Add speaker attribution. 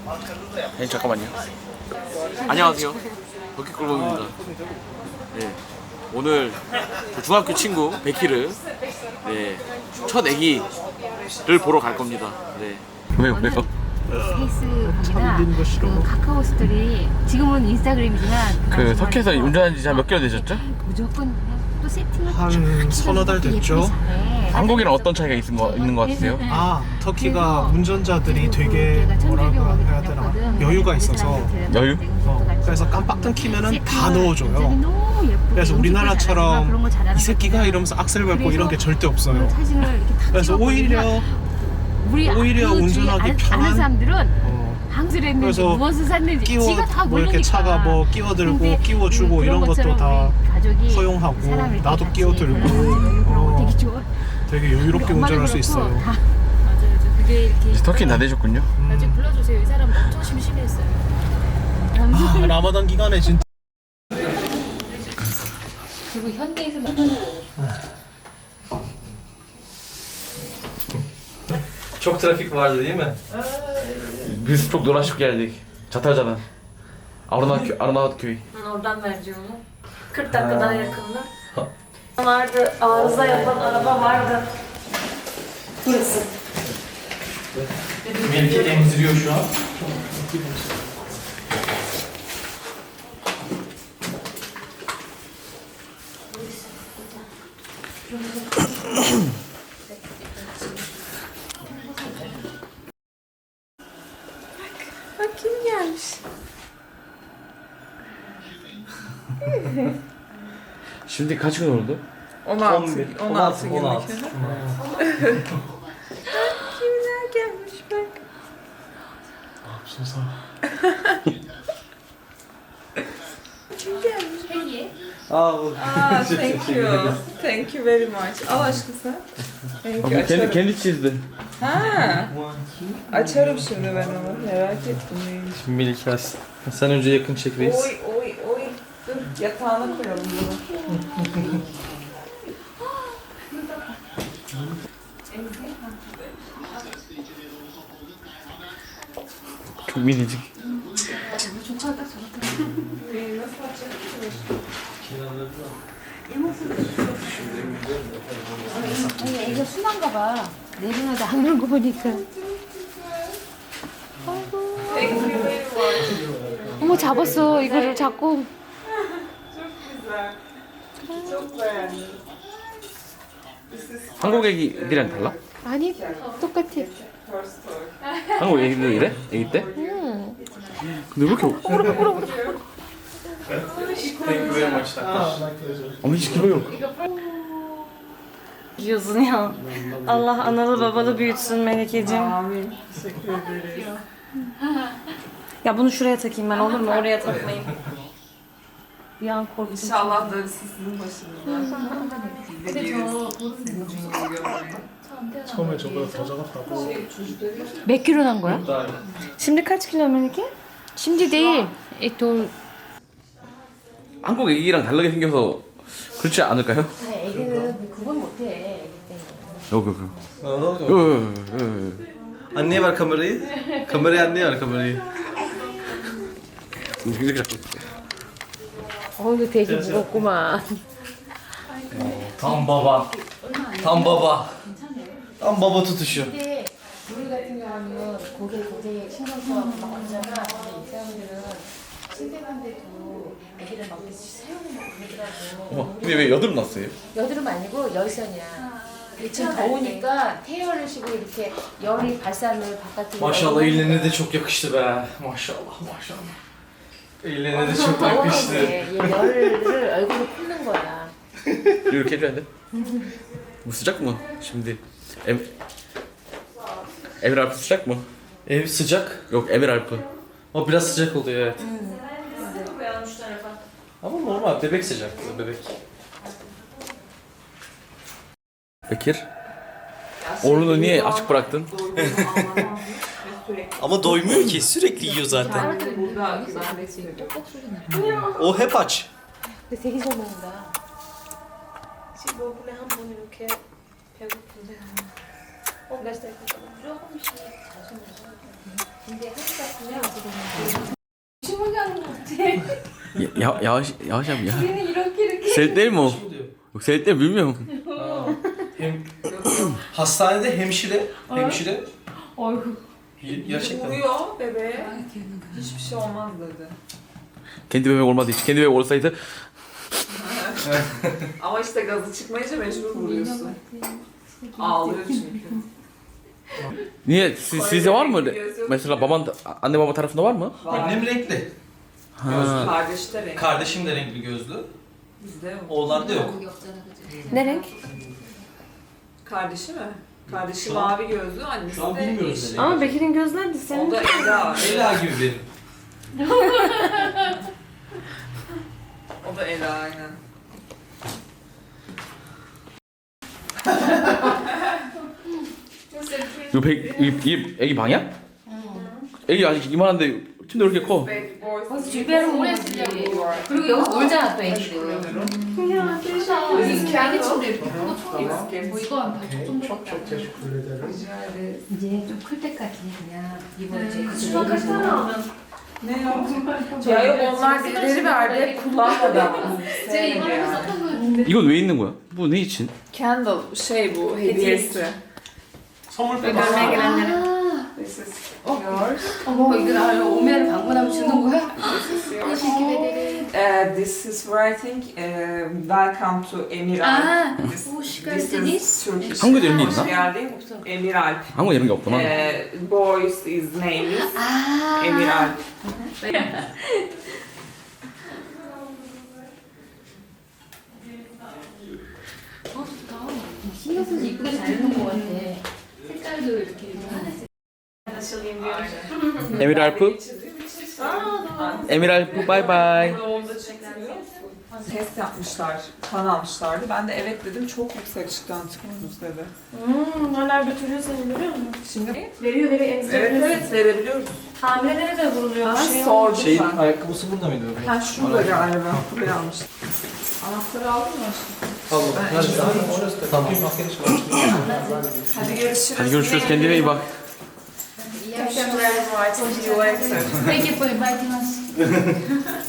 Speaker 1: 잠깐만요. 안녕하세요. 버킷골목입니다. 네, 오늘 중학교 친구 베키를 첫 애기를 보러 갈 겁니다. 네. 왜요?
Speaker 2: 페이스북이나 그 카카오 스토리, 지금은 인스타그램이지만
Speaker 1: 그 터키에서 운전한 지 몇 개월 되셨죠?
Speaker 2: 무조건 또 세팅을
Speaker 3: 한 서너 달 됐죠.
Speaker 1: 한국이랑 어떤 차이가 있는 것 같으세요?
Speaker 3: 아, 터키가 운전자들이 되게 뭐라고 해야 되나 여유가 있어서
Speaker 1: 여유?
Speaker 3: 그래서 깜빡 끊기면은 다 넣어줘요. 그래서 우리나라처럼 이 새끼가 이러면서 악셀 밟고 이런 게 절대 없어요. 그래서 오히려 운전하기 편한.
Speaker 2: 사람들은 항술 했는지
Speaker 3: 그래서
Speaker 2: 무엇을 샀는지 지가 다
Speaker 3: 뭐
Speaker 2: 모르니까.
Speaker 3: 이렇게 차가 뭐 끼워들고 끼워주고 이런 것도 다 허용하고 나도 끼워들고
Speaker 2: 되게 좋아.
Speaker 3: 되게 여유롭게 운전할 수 있어요.
Speaker 2: 맞아요. 그게 이렇게
Speaker 1: 이제 터키는 다 되셨군요.
Speaker 2: 나중에 불러주세요. 이 사람 엄청 심심했어요.
Speaker 3: 아, 라마단 기간에 진짜
Speaker 2: 그리고 현대에서
Speaker 4: Çok trafik vardı değil mi?
Speaker 1: Biz çok dolaşıp geldik. Çatalca'dan. Arnavutköy.
Speaker 5: Oradan vereceğim onu. 40 dakika daha yakında. Vardı, arıza yapan araba vardı. Burası.
Speaker 4: Melike emziriyor şu an.
Speaker 5: Bak kim gelmiş.
Speaker 1: Şimdi kaç gün oldu?
Speaker 5: 16 günlük. Kimler gelmiş bak. Kim gelmiş? Thank you. Thank you very much. Al aşkım sen.
Speaker 1: Kendi çizdi.
Speaker 5: Ha. Açarım şimdi ben onu. Merak ettim neymiş.
Speaker 4: Melike sen önce yakın çek reis.
Speaker 5: Oy. Dur yatağına koyalım bunu.
Speaker 1: Çok minicik.
Speaker 2: 아니 애가 순한가 봐. 내리면서 안 그런 거 보니까. 어머 잡았어. 이거를 잡고.
Speaker 5: Çok beğendim.
Speaker 1: 한국 애기들이랑 달라?
Speaker 2: 아니 똑같아.
Speaker 1: 한국 애기들 이래? 애기 때? 근데 왜 이렇게 ama hiç kilo yok.
Speaker 5: Diyorsun ya. Allah analı babalı büyütsün Melekeciğim.
Speaker 3: Amin. Teşekkür ederim.
Speaker 5: Ya bunu şuraya takayım ben olur mu? Oraya takmayayım. Bir an korktum.
Speaker 6: İnşallah darısı sizin başınıza.
Speaker 3: 처음에 저보다 더 작았다고.
Speaker 2: 몇 킬로 난 거야?
Speaker 5: Şimdi kaç kilo Meleke?
Speaker 2: 심지 내일 또
Speaker 1: 한국 애기랑 다르게 생겨서 그렇지 않을까요?
Speaker 2: 애기는 그건 못해.
Speaker 1: 여기.
Speaker 4: Anneye ver kamerayı. Kamerayı anneye ver kamerayı.
Speaker 1: 이렇게 잡고 있어.
Speaker 2: 이거 되게 무겁구만.
Speaker 4: Tam baba. Tam baba. Tam baba tutuşu.
Speaker 2: 근데 우리 같은 경우는 고개 굉장히 신경 써서 막 하잖아. 근데 이 사람들은 침대간데도 애기를 막 세우고 막 그러더라고.
Speaker 1: 근데 왜 여드름 났어요?
Speaker 2: 여드름 아니고 열선이야. 지금 더우니까 태열을 쉬고 이렇게 열이 발산을 바깥으로.
Speaker 4: Maşallah eline de çok yakıştı be. Maşallah. Eline de çok yakıştı.
Speaker 2: 얘 열을 얼굴에 푸는 거야.
Speaker 1: 이렇게 해줘야 돼? Bu sıcak mı? Şimdi Emir Alp'ı sıcak mı?
Speaker 4: Ev sıcak.
Speaker 1: Yok Emir Alp'ı.
Speaker 4: O biraz sıcak oluyor evet. Ama normal bebek sıcaklığı bebek.
Speaker 1: Bekir. Oğlunu niye açık bıraktın?
Speaker 4: Ama doymuyor ki sürekli yiyor zaten. O hep aç.
Speaker 2: 근데 되게 잘 먹는다.
Speaker 5: 지금 먹으면 한 번 이렇게 배고픈데. 몇 살? 조금씩 자주 먹어.
Speaker 2: 근데 한국가
Speaker 1: Yavaş yavaş yap ya.
Speaker 6: Seni iroke.
Speaker 1: Seyit değil mi o?
Speaker 3: Bu diyor.
Speaker 1: Yok Seyit değil bilmiyorum.
Speaker 3: Hem hastanede hemşire
Speaker 6: Oy.
Speaker 3: gerçekten.
Speaker 6: Uyuyor bebeğe. Hiçbir şey olmaz dedi.
Speaker 1: Kendi bebek olmadığı için. Kendi bebek olsaydı
Speaker 6: Ama işte gazı çıkmayınca mecbur vuruyorsun. Ağlıyor çünkü.
Speaker 1: niye sizde var mı öyle? Mesela baban anne baba tarafında var mı?
Speaker 3: Annem renkli.
Speaker 1: Ha.
Speaker 6: Kardeş de renk.
Speaker 3: Kardeşim de renkli gözlü.
Speaker 6: Bizde yok.
Speaker 3: Oğlan da yok.
Speaker 5: Ne renk?
Speaker 6: Kardeşi mi? Kardeşi
Speaker 3: Şu an-
Speaker 6: mavi gözlü, annesi
Speaker 3: Şu an
Speaker 6: de
Speaker 3: bilmiyoruz
Speaker 6: yeşil.
Speaker 3: ne
Speaker 5: Ama Bekir'in gözleri de
Speaker 6: O
Speaker 5: senin.
Speaker 6: da Ela.
Speaker 3: Ela gibi benim.
Speaker 6: O da Ela aynen.
Speaker 1: 이거 애기 방이야? 애기 아직 이만한데 팀도 이렇게 커.
Speaker 6: Baby boys.
Speaker 2: 주변을 오래 쓰려고. 그리고 여기서 놀잖아 또 애기들. 여기 애기 침대 이렇게 크고 좋아. 뭐 이거 한 8초 정도밖에 안 돼. 이제 좀 클 때까지 그냥 이거 이제
Speaker 6: Ne o? Ya yok onlar birileri verdi kullanmadı ama.
Speaker 2: 제가 이거를 썼던 거였는데.
Speaker 1: 이건 왜 있는 거야? 뭐 내 için?
Speaker 6: Candle şey bu hediyesi.
Speaker 3: 선물
Speaker 6: Görmeye
Speaker 3: 빼봐.
Speaker 6: gelenlere. This is yours.
Speaker 2: 어머 이거 나 오면 방문하면 주는 거야?
Speaker 6: This is yours.
Speaker 2: Teşekkür ederim.
Speaker 6: This is writing welcome to Emir
Speaker 2: 아,
Speaker 6: Alp. This,
Speaker 2: hoş
Speaker 6: this
Speaker 2: geldiniz.
Speaker 6: is Turkish.
Speaker 1: 한국에도 이런 게
Speaker 6: Hoş
Speaker 1: 있나?
Speaker 6: geldin Emir Alp.
Speaker 1: 한국에 이런 게 없구나.
Speaker 6: Boys is name is
Speaker 2: 아.
Speaker 6: Emir Alp.
Speaker 2: 어 좋다. 신경 써서 이쁘게 잘 해놓은 것 같아. 색깔도 이렇게 하나씩.
Speaker 1: 에밀 알프? 에밀 알프 바이바이.
Speaker 6: Test yapmışlar, kan almışlardı. Ben de evet dedim, çok yüksek çıktı antikorunuz dedi.
Speaker 5: Hala götürüyor seni görüyor musun?
Speaker 6: Şimdi
Speaker 5: Veriyor emzirebiliyorsun.
Speaker 6: evet verebiliyoruz.
Speaker 5: Hamilelere de vuruluyor.
Speaker 6: Ben
Speaker 5: Şey
Speaker 6: sordum
Speaker 3: Şeyin
Speaker 6: ben.
Speaker 3: ayakkabısı burada mıydı bebeğim?
Speaker 6: Ben şurada galiba, buraya almıştım. Anahtarı aldın mı aşkım?
Speaker 3: Tamam. Tamam.
Speaker 6: Hadi görüşürüz.
Speaker 1: Hadi görüşürüz kendine iyi bak.
Speaker 6: Teşekkürler. See you later.
Speaker 2: Thank you for inviting us.